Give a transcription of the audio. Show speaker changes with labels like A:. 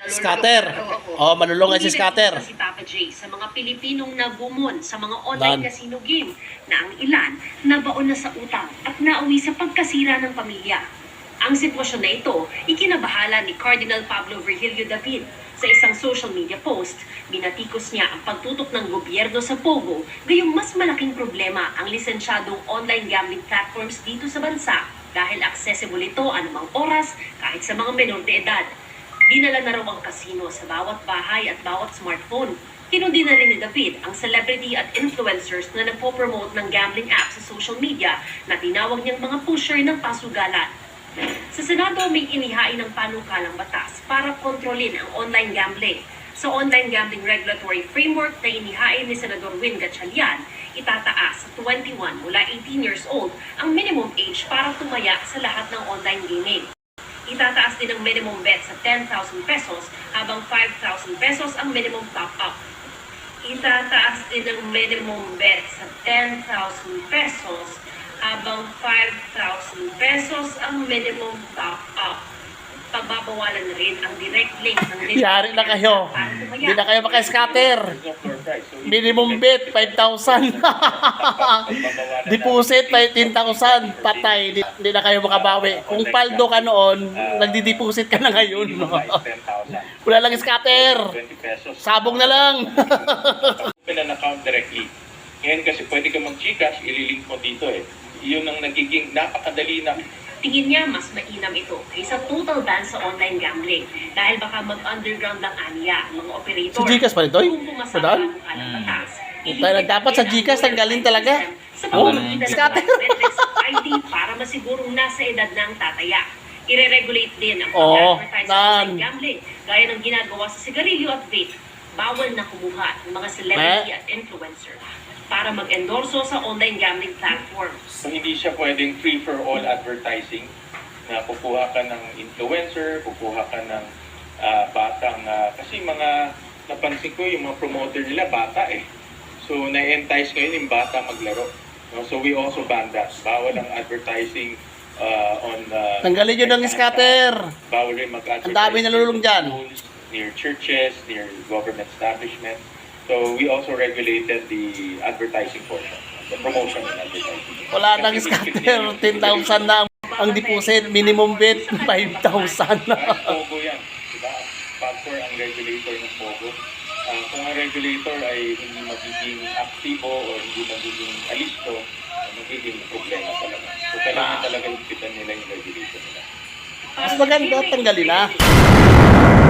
A: Scatter. Oh, malulungay si Scatter.
B: Si Papa J sa mga Pilipinong nagumon sa mga online casino game na ang ilan nabaon na sa utang at nauwi sa pagkasira ng pamilya. Ang sitwasyon na ito, ikinabahala ni Cardinal Pablo Virgilio David. Sa isang social media post, binatikos niya ang pagtutok ng gobyerno sa Pogo, gayong mas malaking problema ang lisensyadong online gambling platforms dito sa bansa dahil accessible ito anumang oras kahit sa mga menor de edad. Dinala na raw ang kasino sa bawat bahay at bawat smartphone. Kinundi na rin ni David ang celebrity at influencers na nagpo-promote ng gambling apps sa social media na tinawag niyang mga pusher ng pasugalan. Sa Senado may inihain ng panukalang batas para kontrolin ang online gambling. Sa online gambling regulatory framework na inihain ni Senador Win Gatchalian, itataas sa 21 mula 18 years old ang minimum age para tumaya sa lahat ng online gaming. Itataas din ang minimum bet sa 10,000 pesos habang 5,000 pesos ang minimum top-up. Itataas din ang minimum bet sa 10,000 pesos habang 5,000 pesos ang minimum top-up. Pagbabawalan na rin ang direct link ng
A: Yari na kayo. Hindi na kayo maka-scatter. Minimum bet, 5,000. Deposit, 15,000. Patay. Hindi na kayo makabawi. Kung paldo ka noon, nagdi-deposit ka na ngayon. Wala lang scatter. Sabong na lang.
C: Open an account directly. Ngayon kasi pwede ka mag-Gcash, ililink mo dito eh. Yun ang nagiging napakadali na.
B: Tingin niya mas mainam ito kaysa total ban sa online gambling dahil baka mag-underground lang aniya ang mga operator.
A: Si Gcash pa rin to?
B: Kung pumasama ang batas.
A: Dapat sa Gcash tanggalin talaga.
B: Sa pamamagitan ng biometrics at ID para masigurong nasa edad ng tataya. Ire-regulate din ang pag-advertise sa online gambling gaya ng ginagawa sa sigarilyo at vape. Bawal na kumuha ng mga celebrity at influencer para mag-endorso sa online gambling platforms.
C: So hindi siya pwedeng free for all advertising na kukuha ka ng influencer, kukuha ka ng batang, kasi mga napansin ko yung mga promoter nila bata eh. So na-entice ngayon yung bata maglaro. No? So we also ban that. Bawal ang advertising on...
A: Tanggalin yun ng scatter.
C: Bawal rin mag-advertise.
A: Ang dami nalulung dyan.
C: Near churches, near government establishments. So we also regulated the advertising portion, the promotion and advertising.
A: Wala nang scatter, 10,000 na ang deposit, minimum bet 5,000 na.
C: Pogo yan, diba? Factor ang regulator ng Pogo. Kung ang regulator ay hindi magiging aktibo o hindi magiging alisto, magiging problema talaga. So kailangan talaga ipitan nila yung regulation nila.
A: Mas maganda, tanggalin na.